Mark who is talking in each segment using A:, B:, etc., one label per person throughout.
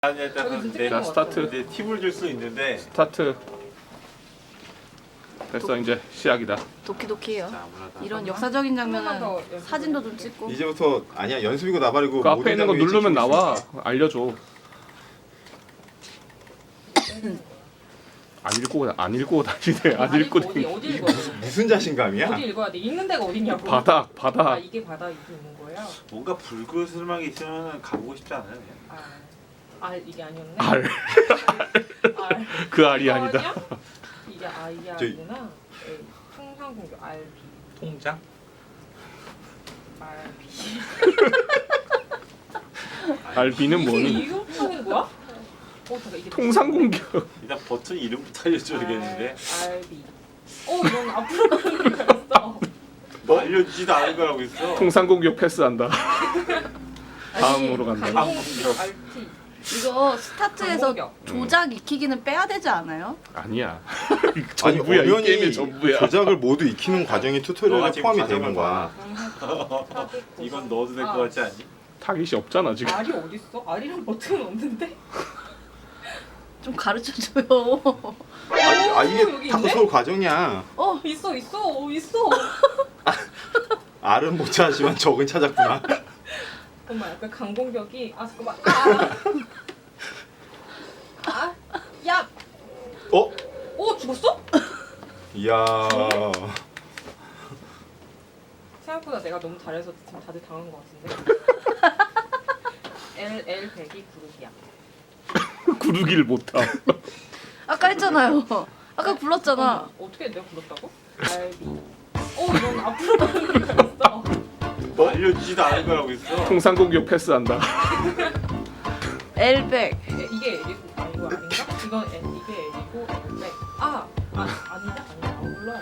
A: 자, 스타트.
B: 이제 팁을 줄 수 있는데.
A: 스타트. 됐어, 이제 시작이다.
C: 도키도키예요. 이런 역사적인 장면은 사진도 좀 찍고.
D: 이제부터 아니야 연습이고 나발이고
A: 그 앞에 있는 거 누르면 나와. 알려줘. 안 읽고 다니네. 안 읽고
E: 어디 읽어야 돼?
D: 무슨 자신감이야?
E: 어디 읽어야 돼? 읽는 데가 어딨냐고.
A: 바닥.
E: 아 이게 바닥 이렇게 있는 거예요?
B: 뭔가 불그스름하게 있으면 가보고 싶지 않아요?
E: 이게 아니었네.
A: 알. 그 알이 아니다.
E: 아니야? 이게 이게 알이구나. 통상공교 RB.
B: 통장?
E: RB.
A: 알비는 뭐니?
E: 이렇게 하는 거야? 잠깐 이게
A: 통상공격.
B: 일단 버튼 이름부터 알려줘야겠는데.
E: RB. 이건 앞으로 가는 거였어.
B: 뭐 알려주지도 않은 거라고 있어.
A: 통상공격 패스한다. 다음으로 간다.
E: 강공교 RT.
C: 이거 스타트에서
E: 강공격.
C: 조작 익히기는 빼야 되지 않아요?
A: 아니야.
D: 아니
A: 전부야. 이
D: 엄연히
A: 게임의 전부야.
D: 조작을 모두 익히는 과정이
B: 너가
D: 튜토리얼에
B: 지금
D: 포함이
B: 과정을
D: 되는 거야.
B: 이건 넣어도 될 것 같지 않니?
A: 타깃이 없잖아 지금.
E: 알이 어딨어? 알이랑 버튼은 없는데?
C: 좀 가르쳐줘요.
D: 이게
E: 여기 있네?
D: 탁구 과정이야.
E: 있어.
D: R은 못 찾았지만 적은 찾았구나.
E: 잠깐만 약간 강공격이 잠깐만 야! 죽었어?
D: 이야.
E: 생각보다 내가 너무 잘해서 지금 다들 당한 것 같은데 LL 100이 구르기야.
A: 구르기를 못함.
C: 아까 했잖아요. 아까 불렀잖아.
E: 어떻게 내가 불렀다고? RB 이건 앞으로 가는 거였어.
B: 뭐 알려주지도 않은 거라고 있어.
A: 통상공격 패스한다.
C: 엘백.
E: 이게 L이고 이거 아닌가? 이건 L, 이게 L이고 L100 아니다 몰라.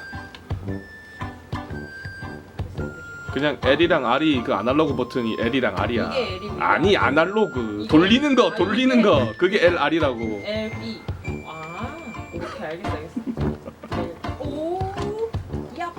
A: 그냥 L이랑 R이 그 아날로그 버튼이 L이랑 R이야.
E: 이게 L이고
A: 아니 아날로그 돌리는 거 그게 L R이라고.
E: LB 오케이 알겠어 야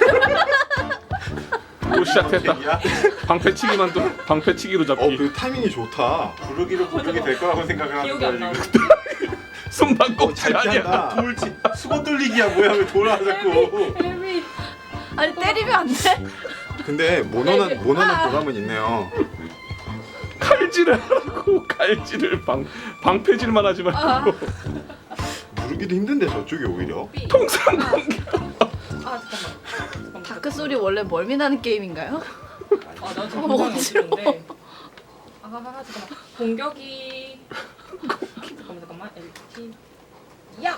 A: 또 시작했다. 방패치기만 또 방패치기로 잡기.
D: 그 타이밍이 좋다.
B: 부르기로 부르게 될 거라고 생각을 하는
E: 기억이 안
B: 거야
E: 나.
B: 지금.
A: 손방꼭질
D: 잘
A: 아니야.
D: 피한다.
B: 돌지 수건 돌리기야 뭐야 왜 돌아 자꾸.
E: LB
C: 아니 때리면 안 돼?
D: 근데 모노는 보람은 있네요.
A: 칼질을 하고 칼질을 방패질만 하지 말고.
D: 부르기도 힘든데 저쪽이 오히려.
A: 통상공격.
E: 잠깐만.
C: 다크 소리 원래 멀미 나는 게임인가요?
E: 나 지금 굉장히 어지러운데. 잠깐만. 공격이. 잠깐만. LT. 야.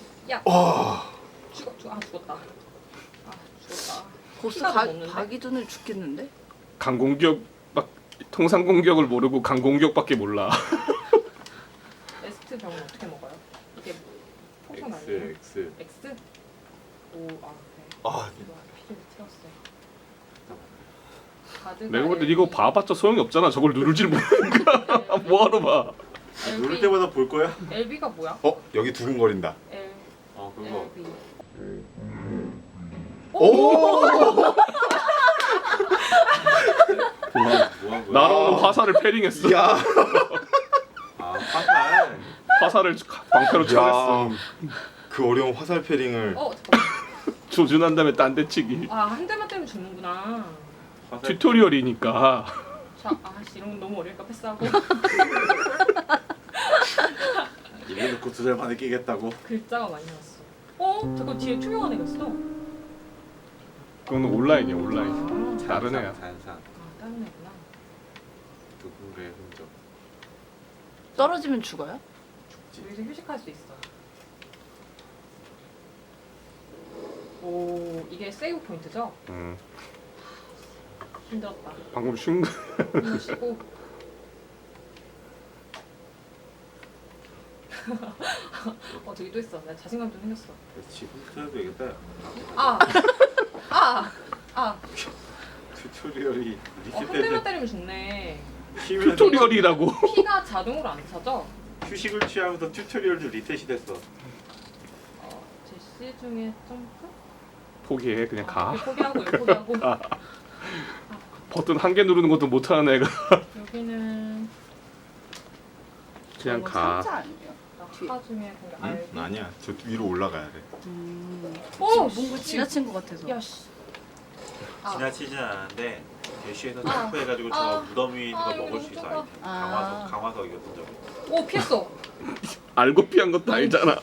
E: 죽었다. 죽었다.
C: 보스
E: 피가 없는데?
C: 가기전에 죽겠는데?
A: 강공격 막 통상공격을 모르고 강공격밖에 몰라.
E: 에스트 병은 어떻게 먹어요? 이게 포션 아니에요?
B: X.
E: X? 그래.
D: 아,
E: 이거 피를 틀었어. 가드가
A: 내가 볼 때
E: LB.
A: 이거 봐봤자 소용이 없잖아. 저걸 누를질 모르니까 뭐하러 봐.
B: 누를 때마다 볼 거야?
E: LB가 뭐야?
D: 여기 두근거린다.
E: L
B: 그거.
E: LB.
D: 오!
B: 뭐한 거야?
A: 날아오는 화살을 패링했어.
D: 야,
B: 화살.
A: 화살을 방패로 쳐냈어.
D: 그 어려운 화살 패링을.
E: 잠깐만.
A: 조준한 다음에 딴데치기.
E: 한 대만 때리면 죽는구나.
B: 화살.
A: 튜토리얼이니까.
E: 이런 건 너무 어려니까 패스하고.
B: 이래 놓고 2달 만에 끼겠다고.
E: 글자가 많이 나왔어. 잠깐 뒤에 투명한 애가 있어.
A: 그건 온라인이야 온라인. 다른 애야.
B: 잔상.
E: 다른 애구나.
B: 누군가의 흔적.
C: 떨어지면 죽어요?
E: 여기서 휴식할 수 있어. 이게 세이브 포인트죠? 힘들었다.
A: 방금 쉰 거.
E: 힘을 쉬고. 저기 또 있어. 나 자신감 좀 생겼어.
B: 지금 틀어도 되겠다. 튜토리얼이
E: 한 대만 때리면 죽네.
B: 쉬면서
A: 튜토리얼이라고.
E: 피가 자동으로 안 차죠?
B: 휴식을 취하면서 튜토리얼도 리셋이 됐어.
E: 제시 중에 점프?
A: 포기해 그냥 가.
E: 포기하고 포기하고.
A: 버튼 한 개 누르는 것도 못하는 애가.
E: 여기는
A: 그냥
C: 이거
A: 가.
C: 상자 아니에요?
E: 낙하 중에 공개 알비.
D: 아니야. 저 위로 올라가야 돼.
E: 오!
C: 뭔가 지나친 것 같아서.
E: 야씨.
B: 지나치진 않았는데 대쉬에서
E: 아.
B: 점프해가지고 저
E: 아.
B: 무덤 위에 있는
E: 아,
B: 거
E: 이거
B: 먹을 수 있어.
E: 깜짝아.
B: 아이템.
C: 아.
B: 강화석이거든 저거.
E: 오 피했어.
A: 알고 피한 것도 알잖아.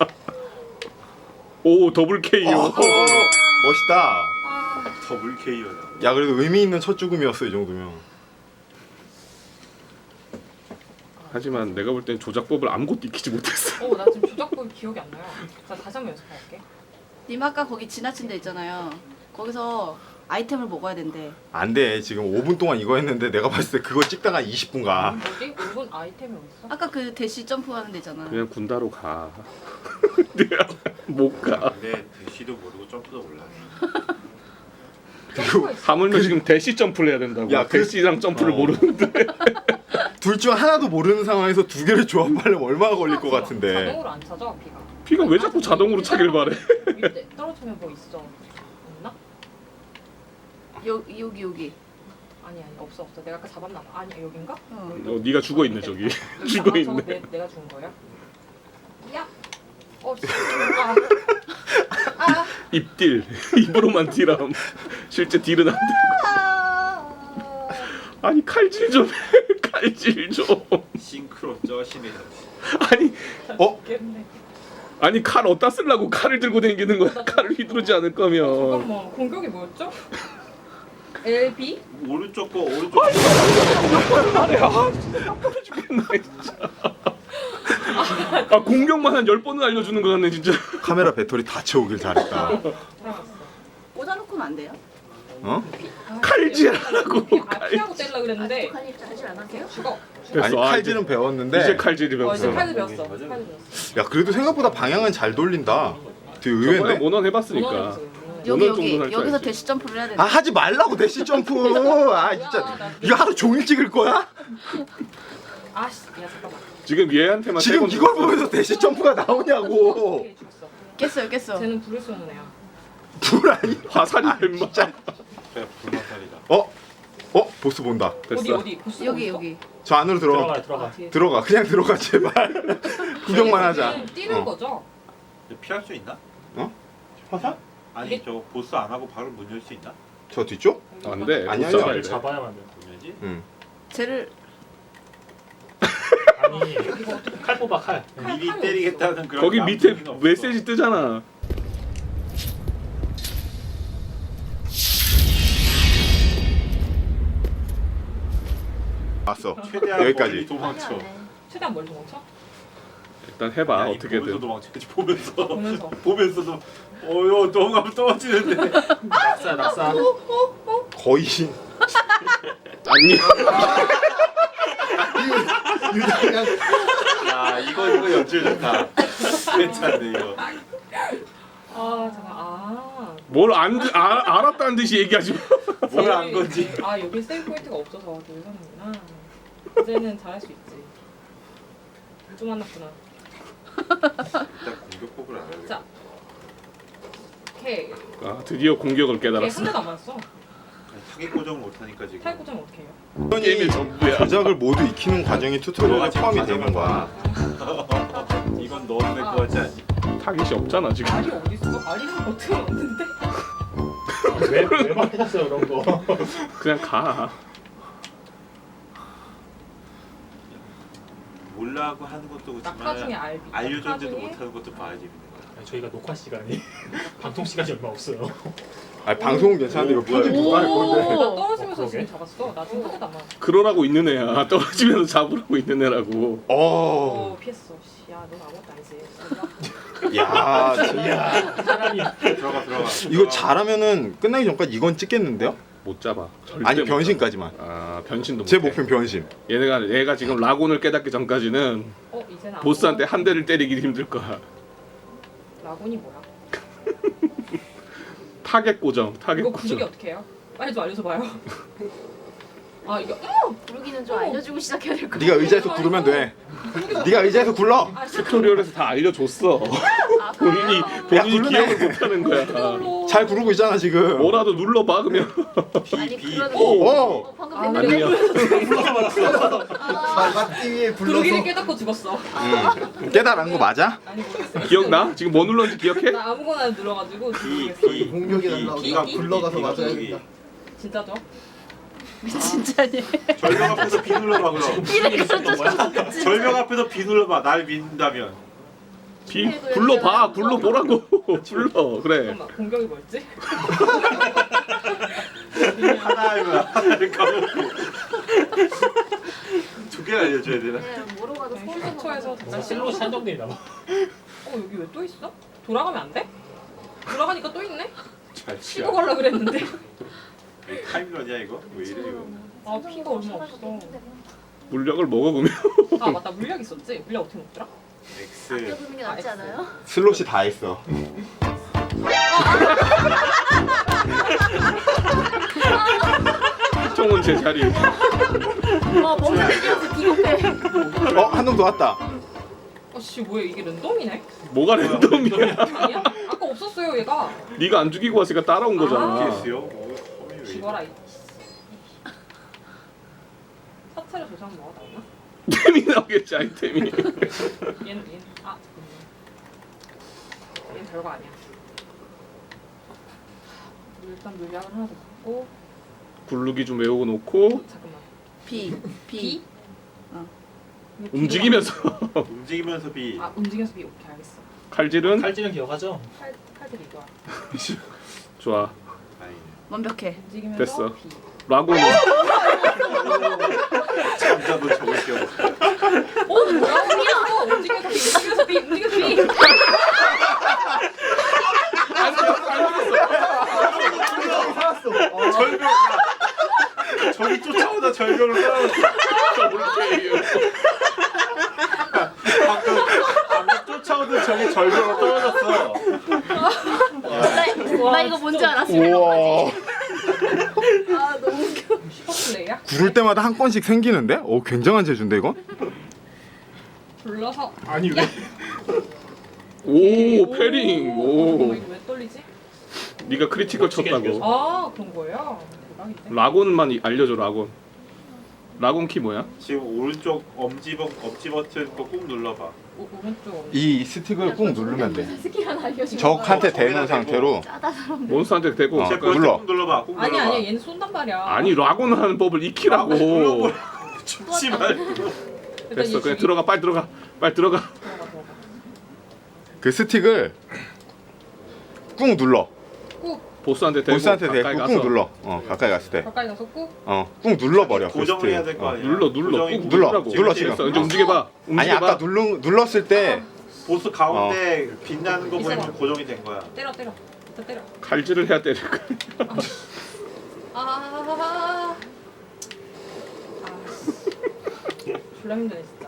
A: 오 더블 KO.
D: 멋있다.
E: 아.
B: 더블 KO다.
D: 야 그래도 의미 있는 첫 죽음이었어 이 정도면.
A: 하지만 내가 볼 땐 조작법을 아무것도 익히지 못했어.
E: 나 지금 조작법 기억이 안 나요. 자 다시 한번 연습할게.
C: 님 아까 거기 지나친 데 있잖아요. 거기서 아이템을 먹어야 된대.
D: 안 돼. 지금 5분 동안 이거 했는데 내가 봤을 때 그거 찍다가 20분 가.
E: 어디? 5분 아이템이 어딨어?
C: 아까 그 대시 점프하는 데 있잖아.
A: 그냥 군다로 가. 못 가.
B: 근데 대쉬도 모르고 점프도 몰라.
E: 점프가 있어.
A: 하물며 지금 대시 점프를 해야 된다고.
D: 야, 그-
A: 대시랑 점프를
B: 어.
A: 모르는데.
D: 둘 중 하나도 모르는 상황에서 두 개를 조합하려면 얼마나 걸릴 것 같은데.
E: 자동으로 안 찾아 피가.
A: 피가 왜 자꾸 자동으로 차길 바래?
E: 밑에 떨어지면 뭐 있어? 없나?
C: 여기.
E: 아니 없어. 내가 아까 잡았나 봐. 아니 여긴가?
A: 네가 죽어 있네 저기. 죽어
E: 저거
A: 있네.
E: 내가 죽은 거야? 야. 씨.
A: 입딜. 입으로만 딜함. 실제 딜은 안 돼. 아니 칼질 좀 해. 칼질 좀.
B: 싱크로 쩌시네.
A: 아니
E: 겠네.
A: 아니 칼 어디다 쓰려고 칼을 들고 다니는 거야. 칼을 휘두르지 않을 거면.
E: 잠깐만 공격이 뭐였죠? LB?
B: 오른쪽 거 오른쪽.
A: 아래 죽겠네 진짜. 아 공격만 한 10번은 알려주는 거 같네 진짜.
D: 카메라 배터리 다 채우길 잘했다.
C: 꽂아놓고는 안 돼요?
D: 어?
A: 칼질하라고.
E: 피하고 때리려 그랬는데
C: 칼질 안 하세요?
E: 죽어.
D: 아니
A: 아,
D: 칼질은 배웠는데.
A: 이제 칼질이
E: 이제
A: 배웠어.
E: 칼도 배웠어.
B: 맞아.
E: 칼도 배웠어.
D: 야 그래도 생각보다 방향은 잘 돌린다. 되게
A: 저번에
D: 의외인데.
A: 모넌 해봤으니까.
C: 여기
A: 어느 정도는 할 줄
C: 여기서
A: 알지.
C: 대시 점프를 해야
D: 아
C: 된대.
D: 하지 말라고 대시 점프. 아 진짜 이거 하루 종일 찍을 거야?
E: 아씨, 야 잠깐만.
A: 지금 얘한테만 세
D: 지금
A: 번
D: 이걸
A: 죽었어.
D: 보면서 대시 점프가 나오냐고.
E: 오케이, 죽었어.
C: 깼어요.
E: 쟤는 불을 쏘는 애야.
D: 불 아니?
A: 화살이
D: 아,
A: 뱀마.
D: 진짜.
B: 그냥 불마살이다.
D: 보스 본다.
A: 됐어.
E: 어디 보스
C: 여기.
D: 저 안으로 들어가.
E: 뒤에.
D: 들어가. 그냥 들어가 제발. 구경만 하자.
E: 뛰는
D: 어.
E: 거죠?
B: 피할 수 있나?
D: 화살?
B: 아니
E: 이게-
B: 저 보스 안 하고 바로 문 열 수 있나?
D: 저 뒤쪽?
A: 안 돼.
D: 아니야,
A: 못 잡아야 돼.
F: 잡아야만 돼.
B: 문 열지?
D: 응.
C: 쟤를
F: 아니 칼 뽑아 칼.
B: 미리
E: 칼이
B: 때리겠다는 그런.
A: 거기 밑에
B: 마음속에는 없어.
A: 메시지 뜨잖아.
D: 왔어.
B: 최대한
D: 여기까지.
B: 멀리 도망쳐.
E: 최대한 멀리 도망쳐?
A: 일단 해봐
B: 아니, 보면서
A: 어떻게든.
B: 도망쳐야지 보면서.
E: 보면서.
B: 보면서도 어여 도망가면 떨어지는데.
F: 낙사.
D: 거의
A: 아니
B: 야 이거 연출 좋다. 괜찮네 이거.
E: 아 잠깐.
A: 알았다는 듯이 얘기하지 마.
B: 뭘 안 건지.
E: 여기 세이브 포인트가 없어서 놀랐는구나. 이제는 잘할 수 있지. 좀 만났구나.
B: 일단 공격법을 알아야
E: 자. 오케이.
A: 아 드디어 공격을
E: 오케이
A: 깨달았어.
E: 한 대도 안 맞았어.
B: 타겟 고정을 못하니까 지금.
E: 타일 고정 어떻게 해요?
A: 게임의 전부야.
D: 조작을 모두 익히는 과정이 튜토리얼에 포함이 되는 거야.
B: 이건 넣어도 될 것 같지 않니?
A: 타깃이 없잖아 지금.
E: 알이 어디 있어? 알이는 어떻게 없는데?
F: 왜 막히셨어요 그런 거?
A: 그냥 가.
B: 몰라고 하는 것도
E: 낙하 중에
B: 그렇지만
E: 알비.
B: 알려줬는데도 못하는 것도 봐야지 재밌는 거야.
F: 아니, 저희가 녹화 시간이 방송 시간이 얼마 없어요.
D: 아니 방송은 괜찮은데 이거 편집 누가 할 건데.
E: 나 떨어지면서
F: 그러게?
E: 지금 잡았어. 나 지금 한 대도 안 맞았어.
A: 그러라고 있는 애야. 떨어지면서 잡으라고 있는 애라고.
E: 피했어. 씨, 야, 넌 아무것도 아니지.
D: 야 진짜.
F: 사람이
B: 들어가.
D: 이거 잘하면은 끝나기 전까지 이건 찍겠는데요?
A: 못 잡아. 절대
D: 아니
A: 못 잡아.
D: 변신까지만.
A: 아 변신도
D: 제
A: 못해.
D: 목표는 변신.
A: 얘가 지금 라곤을 깨닫기 전까지는
E: 이제는
A: 보스한테 한 대를 때리기 힘들 거야.
E: 라곤이 뭐야?
A: 타겟 고정. 타겟
E: 이거 구독이
A: 고정.
E: 어떻게 해요? 빨리 좀 알려줘 봐요. 이거
C: 부르기는 좀 알려주고 시작해야 될 것 같아.
D: 네가 의자에서 구르면 돼. 네가 의자에서 굴러.
A: 튜토리얼에서 다 알려줬어. 본인이
D: 야, 굴르네.
A: 기억을 못하는 거야.
E: 자,
D: 잘 구르고 있잖아 지금.
A: 뭐라도 눌러봐 그러면.
C: 아니
B: 비.
C: 그러는
D: 오.
C: 방금
E: 아,
C: 됐는데.
A: 아니야.
B: 나가띠 위에
E: 구르기를 깨닫고 죽었어.
D: 깨달은 거 맞아?
E: 아니 모르겠어.
A: 기억나? 지금 뭐 눌렀는지 기억해?
E: 나 아무거나 눌러가지고
B: 비.
E: 모르겠어.
B: 비.
G: 공격이 날라오고
E: 비?
G: 나 굴러가서 맞아야겠다.
E: 진짜죠?
C: 진짜니.
B: 절벽 앞에서 비 눌러봐 그럼.
C: 이래서 쫓아가.
B: 절벽 앞에서 비 눌러봐. 날 믿는다면.
A: 비 불러봐. 불러보라고. 불러. 그래.
E: 잠깐만 공격이 뭐였지?
B: 하나를 까먹고. 두 개를 알려줘야 되나?
C: 뭐로 가도
E: 휴게소에서
F: 뭔가 실로시 한정돼 있나 봐.
E: 여기 왜 또 있어? 돌아가면 안 돼? 돌아가니까 또 있네?
B: 잘
E: 치고 가려 그랬는데.
B: 타임런이야 이거? 왜 이래 이거?
E: 아 피가 얼마 없어.
A: 물약을 먹어 보면.
E: 아 맞다 물약 있었지? 물약 어떻게 먹더라?
B: X.
C: 아껴두는 게 낫지 않아요?
D: 슬롯이 다 했어.
A: 총은 제 자리.
C: 뭔가 생겨서 비겁해.
D: 한 놈 더 왔다.
E: 아씨 뭐야 이게 랜덤이네?
A: 뭐가 랜덤이야?
E: 아니야? 아까 없었어요 얘가.
A: 네가 안 죽이고 왔으니까 따라온 거잖아.
B: X요?
E: 죽어라 이. 사체를 조사하면 뭐가 나오나?
A: 템이 나오겠지 아이템이.
E: 얘는 아 얘는 별거 아니야. 일단 물약을 하나 더 먹고
A: 굴르기 좀 외우고 놓고
E: 잠깐만.
C: 비.
E: 비? 이거 비로
A: 움직이면서
B: 움직이면서 비.
E: 아 움직여서 비 오케이 알겠어.
A: 칼질은
F: 칼질은 기억하죠?
E: 칼들이 이거야.
A: 좋아.
B: 아니.
C: 완벽해.
E: 움직이면서
A: 됐어.
E: 비.
A: 라고는
B: 잠자도 적을 게 없어.
E: 뭐야? 비였어. 움직여서 비. 움직여서 비.
B: 절벽. 야. 저기 쫓아오다 절벽을 떨어졌어. 방금 쫓아오던 저기 절벽을 떨어졌어.
C: 나 이거 뭔지 알았어.
D: 우와.
C: 아 너무 웃겨.
E: 슈퍼플레이야?
D: 구를 때마다 한 건씩 생기는데? 굉장한 재주인데 이거?
E: 불러서
F: 아니 왜?
A: 오 패링.
E: 이거
A: 오
E: 왜 떨리지?
A: 네가 크리티컬 쳤다고.
E: 아 그런 거예요? 대박인데?
A: 라곤만 알려줘 라곤. 라곤 키 뭐야?
B: 지금 오른쪽 엄지 버튼 거 꾹 눌러봐.
E: 오른쪽
D: 이 스틱을 꾹 누르면 돼.
C: 스킬 하나 알려줘.
D: 적한테
B: 저기다
D: 대는
B: 대고.
D: 상태로.
C: 짜다 사람들.
A: 몬스터한테 대고.
D: 어.
B: 제
A: 그러니까
D: 눌러.
B: 꾹 눌러봐. 꾹
E: 아니
B: 눌러봐.
E: 아니 얘는 쏜단 말이야.
A: 아니 라곤 하는 법을 익히라고.
B: 죽지 말고.
E: 일단
A: 됐어.
E: 얘
A: 그냥
E: 죽이-
A: 들어가 빨리 들어가. 빨리 들어가.
E: 들어가.
D: 그 스틱을 꾹 눌러.
A: 보스한테 대고
D: 보스한테
A: 가까이
D: 대고
A: 가서
D: 꾹 눌러. 가까이 갔을 때.
E: 가까이 가서 꾹.
D: 꾹 눌러버려. 그
B: 고정을 해야
D: 스틱.
B: 될 거 아니야.
A: 눌러 꾹
D: 눌러.
A: 누르라고.
D: 눌러, 지금.
A: 됐어. 이제 움직여봐.
D: 아니 아까 눌렀을 때
B: 보스 가운데 빛나는 거 보면
E: 있어봐.
B: 고정이 된 거야.
E: 때려. 일단 때려.
A: 칼질을 해야 되는 거야.
E: 아. 졸라 힘드네 진짜.